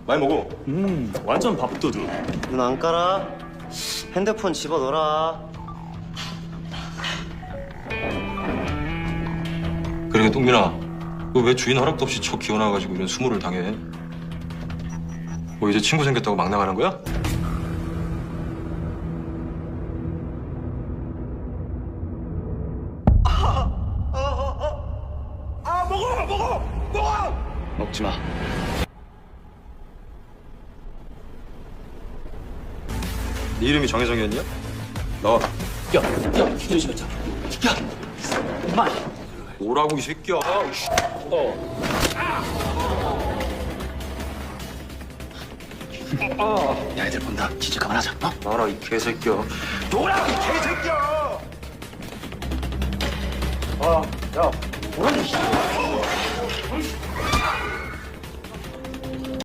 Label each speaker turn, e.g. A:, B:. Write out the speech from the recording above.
A: 많이 먹어.
B: 완전 밥도둑.
C: 눈 안 깔아? 핸드폰 집어넣어라.
A: 그러게 똥민아, 너 왜 주인 허락도 없이 쳐 기어나가지고 이런 수모를 당해? 뭐 이제 친구 생겼다고 막 나가는 거야?
B: 먹지 마.
A: 네 이름이 정혜정이었냐? 나와.
B: 야, 조심하자. 야, 마.
A: 뭐라고 이 새끼야?
B: 야, 애들 본다. 진짜 그만하자. 어?
A: 나라 이 개새끼야.
B: 노라, 개새끼야.
A: 야, 뭐라니?